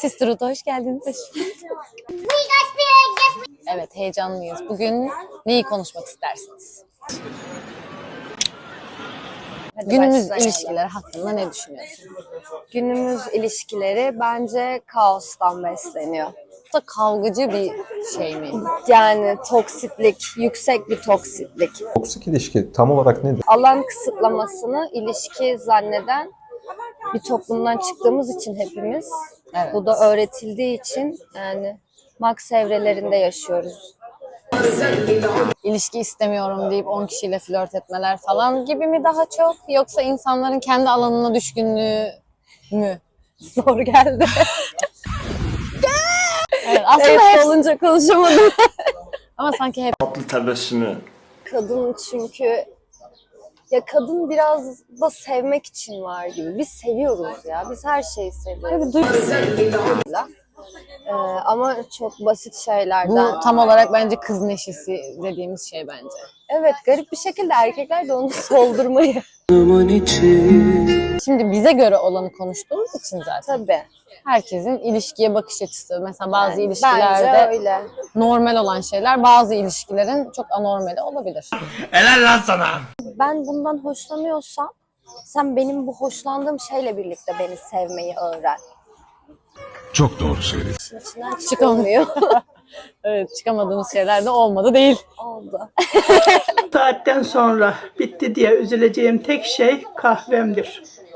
Sisterhood'a hoş geldiniz. Evet, heyecanlıyız. Bugün neyi konuşmak istersiniz? Günümüz ilişkileri hakkında ne düşünüyorsun? Günümüz ilişkileri bence kaostan besleniyor. Bu da kavgacı bir şey mi? Yani toksiklik, yüksek bir toksiklik. Toksik ilişki tam olarak nedir? Alan kısıtlamasını ilişki zanneden bir toplumdan çıktığımız için hepimiz, Evet. bu da öğretildiği için yani Max evrelerinde yaşıyoruz. İlişki istemiyorum deyip 10 kişiyle flört etmeler falan gibi mi daha çok? Yoksa insanların kendi alanına düşkünlüğü mü? Zor geldi. Evet, aslında Evet, hep olunca konuşamadım. ama sanki hep Tatlı tebessümü. Kadın çünkü kadın biraz da sevmek için var gibi. Biz seviyoruz ya. Biz her şeyi seviyoruz. Ama çok basit şeylerden. bu tam olarak bence kız neşesi dediğimiz şey bence. Evet, garip bir şekilde erkekler de onu soldurmayı. Şimdi bize göre olanı konuştuğumuz için zaten. Tabii. Herkesin ilişkiye bakış açısı. Mesela bazı Bence ilişkilerde öyle. normal olan şeyler bazı ilişkilerin çok anormali olabilir. Helal lan sana. Ben bundan hoşlanıyorsam sen benim bu hoşlandığım şeyle birlikte beni sevmeyi öğren. Çok doğru söyledin. İçin içinden çıkamıyor. Evet, çıkamadığımız şeyler de olmadı değil. Oldu. Saatten sonra bitti diye üzüleceğim tek şey kahvemdir.